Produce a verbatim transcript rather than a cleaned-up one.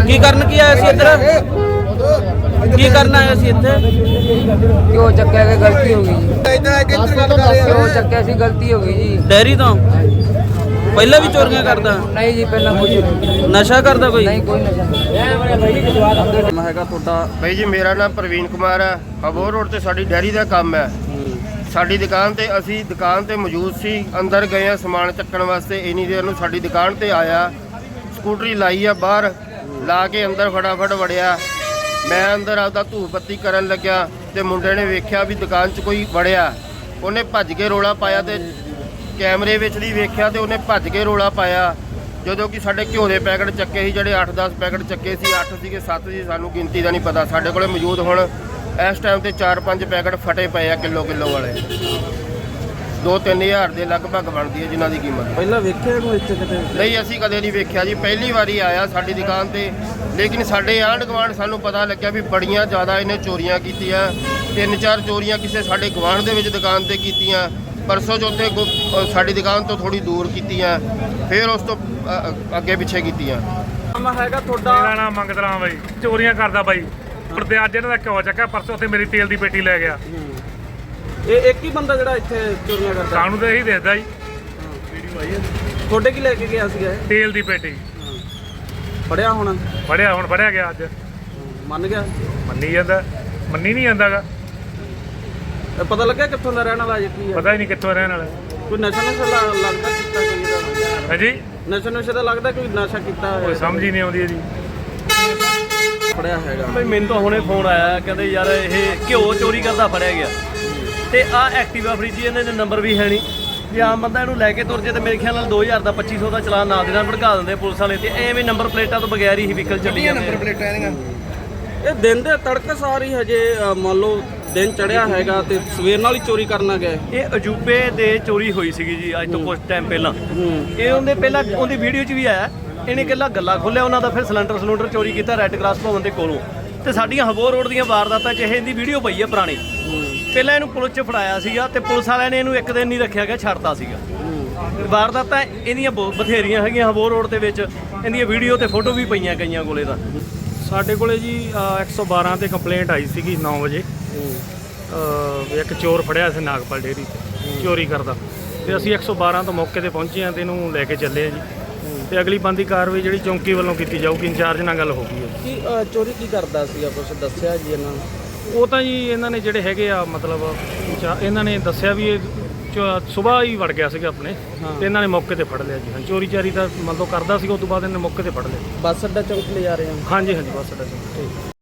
ਕੀ ਕਰਨ ਕੀ ਆਇਆ ਸੀ ਇੱਧਰ? ਕੀ ਕਰਨ ਆਇਆ ਸੀ ਇੱਥੇ? क्यों चक्या के गलती होगी जी? क्यों चक्या सी गलती होगी जी? ਡੈਰੀ ਤੋਂ ਪਹਿਲਾਂ ਵੀ ਚੋਰੀਆਂ ਕਰਦਾ? नहीं जी पहला कुछ ਨਸ਼ਾ ਕਰਦਾ ਕੋਈ? नहीं, कोई नशा नहीं। ਮੈਂ ਹੈਗਾ ਤੁਹਾਡਾ ਭਾਈ ਜੀ ਮੇਰਾ ਨਾਮ ਪ੍ਰਵੀਨ ਕੁਮਾਰ ਹੈ। ਅਬੋਹਰ ਰੋਡ ਤੇ ਸਾਡੀ ਡੈਰੀ ਦਾ ਕੰਮ ਹੈ। ਸਾਡੀ ਦੁਕਾਨ ਤੇ ਅਸੀਂ ਦੁਕਾਨ ਤੇ ਮੌਜੂਦ ਸੀ, ਅੰਦਰ ਗਏ ਆ ਸਮਾਨ ਚੱਕਣ ਵਾਸਤੇ। ਇੰਨੀ ਦੇਰ ਨੂੰ ਸਾਡੀ ਦੁਕਾਨ ਤੇ ਆਇਆ, ਸਕੂਟਰੀ ਲਾਈ ਆ ਬਾਹਰ, ਲਾ ਕੇ ਅੰਦਰ ਫਟਾਫਟ ਵੜਿਆ। ਮੈਂ ਅੰਦਰ ਆਪਦਾ ਧੂਪ ਬੱਤੀ ਕਰਨ ਲੱਗਿਆ ਤੇ ਮੁੰਡੇ ਨੇ ਵੇਖਿਆ ਵੀ ਦੁਕਾਨ 'ਚ ਕੋਈ ਵੜਿਆ। ਉਹਨੇ ਭੱਜ ਕੇ ਰੋਲਾ ਪਾਇਆ ਤੇ ਕੈਮਰੇ ਵਿੱਚ ਵੀ ਵੇਖਿਆ ਤੇ ਉਹਨੇ ਭੱਜ ਕੇ ਰੋਲਾ ਪਾਇਆ। ਜਦੋਂ ਕਿ ਸਾਡੇ ਘਿਓ ਦੇ ਪੈਕਟ ਚੱਕੇ ਸੀ, ਜਿਹੜੇ ਅੱਠ ਦਸ ਪੈਕਟ ਚੱਕੇ ਸੀ, ਅੱਠ ਸੀਗੇ ਸੱਤ ਸੀ, ਸਾਨੂੰ ਗਿਣਤੀ ਦਾ ਨਹੀਂ ਪਤਾ। ਸਾਡੇ ਕੋਲੇ ਮੌਜੂਦ ਹੁਣ ਇਸ ਟਾਈਮ ਤੇ ਚਾਰ ਪੰਜ ਪੈਕਟ ਫਟੇ ਪਏ ਆ ਕਿਲੋ ਕਿਲੋ ਵਾਲੇ। ਦੋ ਤਿੰਨ ਹਜ਼ਾਰ ਦੇ ਲਗਭਗ ਬਣਦੀ ਹੈ ਜਿਨ੍ਹਾਂ ਦੀ ਕੀਮਤ। ਪਹਿਲਾਂ ਵੇਖਿਆ ਕੋਈ ਇੱਥੇ ਕਿਤੇ? ਨਹੀਂ, ਅਸੀਂ ਕਦੇ ਨਹੀਂ ਵੇਖਿਆ ਜੀ, ਪਹਿਲੀ ਵਾਰੀ ਆਇਆ ਸਾਡੀ ਦੁਕਾਨ ਤੇ। ਲੇਕਿਨ ਸਾਡੇ ਆਂਢ ਗੁਆਂਢ ਸਾਨੂੰ ਪਤਾ ਲੱਗਿਆ ਵੀ ਬੜੀਆਂ ਜ਼ਿਆਦਾ ਇਹਨੇ ਚੋਰੀਆਂ ਕੀਤੀਆਂ। ਤਿੰਨ ਚਾਰ ਚੋਰੀਆਂ ਕਿਸੇ ਸਾਡੇ ਗੁਆਂਢ ਦੇ ਵਿੱਚ ਦੁਕਾਨ ਤੇ ਕੀਤੀਆਂ। ਪਰਸੋਂ ਚੌਥੇ ਸਾਡੀ ਦੁਕਾਨ ਤੋਂ ਥੋੜੀ ਦੂਰ ਕੀਤੀਆਂ, ਫਿਰ ਉਸ ਤੋਂ ਅੱਗੇ ਪਿੱਛੇ ਕੀਤੀਆਂ। ਮੈਂ ਹੈਗਾ ਤੁਹਾਡਾ ਮੇਰਾ ਨਾਮ ਮੰਗਤ ਰਾਮ ਬਾਈ, ਚੋਰੀਆਂ ਕਰਦਾ ਬਾਈ। ਤੇ ਅੱਜ ਇਹਨਾਂ ਦਾ ਘਿਓ ਚੱਕਿਆ, ਪਰਸੋਂ ਉੱਥੇ ਮੇਰੀ ਤੇਲ ਦੀ ਪੇਟੀ ਲੈ ਗਿਆ। ਇਹ ਇੱਕ ਹੀ ਬੰਦਾ ਜਿਹੜਾ ਇੱਥੇ ਚੋਰੀਆਂ ਕਰਦਾ? ਸਾਨੂੰ ਤਾਂ ਇਹੀ ਦਿਸਦਾ ਜੀ। ਤੁਹਾਡੇ ਕੀ ਲੈ ਕੇ ਗਿਆ ਸੀਗਾ ਇਹ? ਤੇਲ ਦੀ ਪੇਟੀ ਫੜਿਆ ਹੁਣ? ਫੜਿਆ, ਹੁਣ ਫੜਿਆ ਗਿਆ ਅੱਜ। ਮੰਨ ਗਿਆ? ਮੰਨੀ ਜਾਂਦਾ, ਮੰਨੀ ਨਹੀਂ ਜਾਂਦਾਗਾ। ਇਹ ਪਤਾ ਲੱਗਿਆ ਕਿੱਥੋਂ ਦਾ ਰਹਿਣ ਵਾਲਾ ਜੀ? ਕੀ ਹੈ ਪਤਾ ਹੀ ਨਹੀਂ ਕਿੱਥੋਂ ਰਹਿਣ ਵਾਲਾ। ਕੋਈ ਨਸ਼ਾ ਨਸ਼ਾ ਲ- ਲੱਗਦਾ ਕੀਤਾ ਕੋਈ ਇਹਦਾ? ਹਾਂਜੀ, ਨਸ਼ਾ ਨਸ਼ਾ ਦਾ ਲੱਗਦਾ ਕੋਈ ਨਸ਼ਾ ਕੀਤਾ ਕੋਈ ਹੋਇਆ? ਸਮਝ ਹੀ ਨਹੀਂ ਆਉਂਦੀ ਜੀ। ਫੜਿਆ ਹੈਗਾ ਬਈ ਮੈਨੂੰ ਤਾਂ ਹੁਣੇ ਫੋਨ ਆਇਆ, ਕਹਿੰਦੇ ਯਾਰ ਇਹ ਘਿਓ ਚੋਰੀ ਕਰਦਾ ਫੜਿਆ ਗਿਆ। ਤੇ ਆਹ ਐਕਟਿਵਾ ਫ੍ਰਿਜ ਇਹਨਾਂ ਦੇ ਨੰਬਰ ਵੀ ਹੈ ਨਹੀਂ, ਜੇ ਆਮ ਬੰਦਾ ਇਹਨੂੰ ਲੈ ਕੇ ਤੁਰ ਜੇ ਤੇ ਮੇਰੇ ਖਿਆਲ ਨਾਲ ਦੋ ਹਜ਼ਾਰ ਦਾ ਪੱਚੀ ਸੌ ਦਾ ਚਲਾਨ ਨਾਲ ਦੇ ਨਾਲ ਭੜਕਾ ਦਿੰਦੇ ਪੁਲਿਸ ਵਾਲੇ। ਤੇ ਐਵੇਂ ਨੰਬਰ ਪਲੇਟਾਂ ਤੋਂ ਬਗੈਰ ਹੀ ਵਹੀਕਲ ਚੱਲੀ ਜਾਂਦੇ ਆ। ਇਹ ਦਿਨ ਦੇ ਤੜਕ ਸਾਰੀ ਹਜੇ ਅ, ਮੰਨ ਲਓ ਦਿਨ ਚੜਿਆ ਹੈਗਾ ਤੇ ਸਵੇਰ ਨਾਲ ਹੀ ਚੋਰੀ ਕਰਨਾ ਗਏ। ਇਹ ਅਜੂਬੇ ਦੇ ਚੋਰੀ ਹੋਈ ਸੀਗੀ ਜੀ ਅੱਜ ਤੋਂ ਕੁਝ ਟਾਈਮ ਪਹਿਲਾਂ। ਇਹ ਉਹਦੇ ਪਹਿਲਾਂ ਉਹਦੀ ਵੀਡੀਓ 'ਚ ਵੀ ਆਇਆ, ਇਹਨੇ ਇਕੱਲਾ ਗੱਲਾ ਖੋਲ੍ਹਿਆ ਉਹਨਾਂ ਦਾ, ਫਿਰ ਸਿਲੰਡਰ ਸਿਲੰਡਰ ਚੋਰੀ ਕੀਤਾ ਰੈੱਡ ਕਰਾਸ ਭਵਨ ਦੇ ਕੋਲੋਂ। ਤੇ ਸਾਡੀਆਂ ਹਬੋਰ ਰੋਡ ਦੀਆਂ ਵਾਰਦਾਤਾਂ 'ਚ ਇਹਦੀ ਵੀਡੀਓ ਪਈ ਹੈ ਪੁਰਾਣੀ। ਪਹਿਲਾਂ ਇਹਨੂੰ ਪੁਲਿਸ 'ਚ ਫੜਾਇਆ ਸੀਗਾ ਤੇ ਪੁਲਿਸ ਵਾਲਿਆਂ ਨੇ ਇਹਨੂੰ ਇੱਕ ਦਿਨ ਨਹੀਂ ਰੱਖਿਆ ਗਿਆ, ਛੱਡਤਾ ਸੀਗਾ। ਵਾਰਦਾਤਾਂ ਇਹਦੀਆਂ ਬਹੁਤ ਬਥੇਰੀਆਂ ਹੈਗੀਆਂ ਹਬੋਰ ਰੋਡ ਦੇ ਵਿੱਚ, ਇਹਦੀਆਂ ਵੀਡੀਓ ਤੇ ਫੋਟੋ ਵੀ ਪਈਆਂ ਕਈਆਂ ਕੋਲੇ ਤਾਂ। ਸਾਡੇ ਕੋਲੇ ਜੀ ਇੱਕ ਸੌ ਬਾਰਾਂ ਤੇ ਕੰਪਲੇਂਟ ਆਈ ਸੀਗੀ ਨੌ ਵਜੇ। ਇੱਕ ਚੋਰ ਫੜਿਆ ਸੀ ਨਾਗਪਾਲ ਡੇਅਰੀ ਤੇ ਚੋਰੀ ਕਰਦਾ, ਤੇ ਅਸੀਂ ਇੱਕ ਸੌ ਬਾਰਾਂ ਤੋਂ ਮੌਕੇ ਤੇ ਪਹੁੰਚੇ ਹਾਂ ਤੇ ਇਹਨੂੰ ਲੈ ਕੇ ਚੱਲੇ ਆ ਜੀ। ਤੇ ਅਗਲੀ ਬਣਦੀ ਕਾਰਵਾਈ ਜਿਹੜੀ ਚੌਂਕੀ ਵੱਲੋਂ ਕੀਤੀ ਜਾਊਗੀ। ਇੰਚਾਰਜ ਨਾਲ ਗੱਲ ਹੋ ਗਈ ਹੈ। ਕੀ ਅ, ਚੋਰੀ ਕੀ ਕਰਦਾ ਸੀਗਾ ਕੁਛ ਦੱਸਿਆ ਜੀ ਇਹਨਾਂ ਨੇ? ਉਹ ਤਾਂ ਜੀ ਇਹਨਾਂ ਨੇ ਜਿਹੜੇ ਹੈਗੇ ਆ ਮਤਲਬ ਚਾ- ਇਹਨਾਂ ਨੇ ਦੱਸਿਆ ਵੀ ਇਹ ਸੁਬਾਹ ਹੀ ਵੜ ਗਿਆ ਸੀਗਾ ਆਪਣੇ, ਤੇ ਇਹਨਾਂ ਨੇ ਮੌਕੇ ਤੇ ਫੜ ਲਿਆ ਜੀ। ਹਾਂ, ਚੋਰੀ ਚਾਰੀ ਦਾ ਮਤਲਬ ਕਰਦਾ ਸੀਗਾ, ਉਸ ਤੋਂ ਬਾਅਦ ਇਹਨੇ ਮੌਕੇ ਤੇ ਫੜ ਲਿਆ। ਬੱਸ ਅੱਡਾ ਚੌਂਕ ਲੈ ਜਾ ਰਹੇ ਹਾਂ? ਹਾਂਜੀ ਹਾਂਜੀ, ਬਸ ਸਾਡਾ ਜੀ।